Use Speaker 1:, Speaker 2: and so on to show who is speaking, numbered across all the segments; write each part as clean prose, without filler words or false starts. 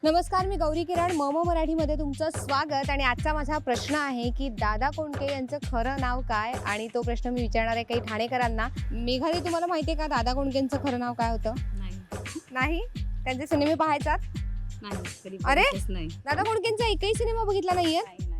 Speaker 1: नमस्कार, मी गौरी किरण मम मराठीमध्ये तुमचं स्वागत. आणि आजचा माझा प्रश्न आहे की दादा कोंडके यांचं खरं नाव काय, आणि तो प्रश्न मी विचारणार आहे काही ठाणेकरांना. मेघाली, तुम्हाला माहिती आहे का दादा कोंडकेंचं खरं नाव काय होतं? नाही. त्यांचे सिनेमे पाहायचात? अरे, दादा कोंडकेंचा एकही सिनेमा बघितला नाहीये?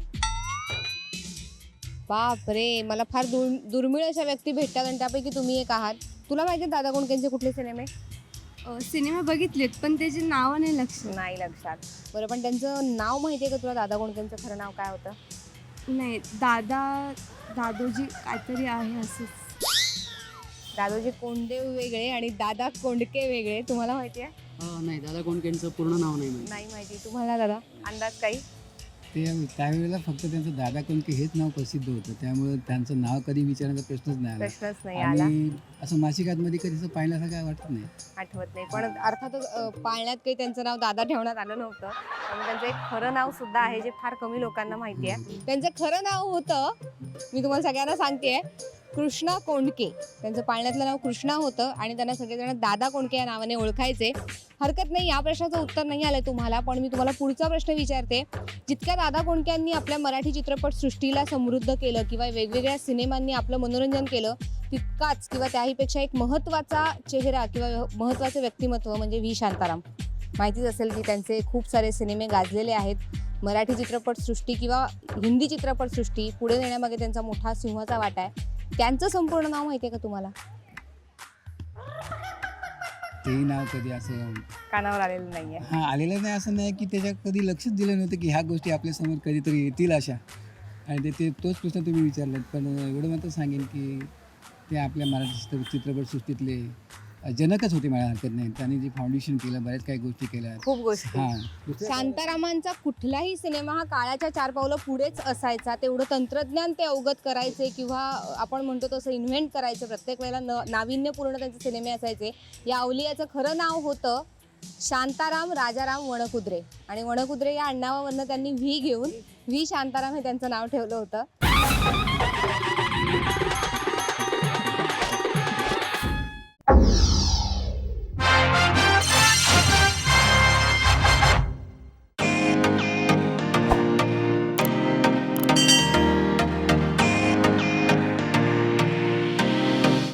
Speaker 1: बाप रे, मला फार दुर्मिळ अशा व्यक्ती भेटतात आणि त्यापैकी तुम्ही एक आहात. तुला माहिती आहे दादा कोंडकेंचे कुठले सिनेमे?
Speaker 2: सिनेमा बघितलेत पण त्याची नावं नाही
Speaker 1: लक्षात. बरं, पण त्यांचं नाव माहिती आहे का तुला? दादा कोंडकेंचं खरं नाव काय होतं?
Speaker 2: नाही. दादोजी काहीतरी आहे असंच.
Speaker 1: दादोजी कोंडदेव वेगळे आणि दादा कोंडके वेगळे. तुम्हाला माहिती आहे?
Speaker 3: नाही, दादा कोंडकेंचं पूर्ण नाव नाही माहिती.
Speaker 1: नाही माहिती. तुम्हाला दादा अंदाज काही?
Speaker 4: ते त्यावेळेला फक्त त्यांचं दादा कोंडके हेच नाव प्रसिद्ध होतं, त्यामुळे त्यांचं नाव कधी विचारण्याचा प्रश्नच नाही आला. आणि असं मासिकांमध्ये कधी असं पाहिल्यासारखं काय वाटत नाही,
Speaker 1: आठवत नाही. पण अर्थातच पाळण्यात काही त्यांचं नाव दादा ठेवण्यात आलं नव्हतं. त्यामुळे त्यांचं एक खरं नाव सुद्धा आहे जे फार कमी लोकांना माहिती आहे. त्यांचं खरं नाव होतं, मी तुम्हाला सगळ्यांना सांगते, कृष्णा कोंडके. त्यांचं पाळण्यातलं नाव कृष्णा होतं आणि त्यांना सगळेजण दादा कोंडके या नावाने ओळखायचे. हरकत नाही, या प्रश्नाचं उत्तर नाही आलंय तुम्हाला, पण मी तुम्हाला पुढचा प्रश्न विचारते. जितक्या दादा कोंडकेंनी आपल्या मराठी चित्रपटसृष्टीला समृद्ध केलं किंवा वेगवेगळ्या सिनेमांनी आपलं मनोरंजन केलं, तितकाच किंवा त्याहीपेक्षा एक महत्त्वाचा चेहरा किंवा महत्त्वाचं व्यक्तिमत्व म्हणजे व्ही शांताराम. माहितीच असेल की त्यांचे खूप सारे सिनेमे गाजलेले आहेत. मराठी चित्रपटसृष्टी किंवा हिंदी चित्रपटसृष्टी पुढे नेण्यामागे त्यांचा मोठा सिंहाचा वाटा आहे. त्यांचं संपूर्ण नाव माहिती आहे का तुम्हाला?
Speaker 4: तेही नाव कधी असं
Speaker 1: कानावर आलेलं नाहीये.
Speaker 4: आलेलं नाही. असं नाही की त्याच्या कधी लक्षच दिलं नव्हतं की ह्या गोष्टी आपल्यासमोर कधीतरी येतील अशा. आणि ते तोच प्रश्न तुम्ही विचारलात. पण एवढं मात्र सांगेन की ते आपल्या मराठी चित्रपटसृष्टीतले जनकच होते, मला हरकत नाही. त्यांनी जे फाउंडेशन केलं, बऱ्याच काही गोष्टी केल्या,
Speaker 1: खूप गोष्टी.
Speaker 4: हां.
Speaker 1: शांतारामांचा कुठलाही सिनेमा हा काळाच्या 4 पावलं पुढेच असायचा. तेवढं तंत्रज्ञान ते अवगत करायचे किंवा आपण म्हणतो तसं इन्व्हेंट करायचे. प्रत्येक वेळेला नाविन्यपूर्ण त्यांचे सिनेमे असायचे. या अवलियाचं खरं नाव होतं शांताराम राजाराम वणकुद्रे. आणि वणकुद्रे या आडनावावरनं त्यांनी व्ही घेऊन व्ही शांताराम हे त्यांचं नाव ठेवलं होतं.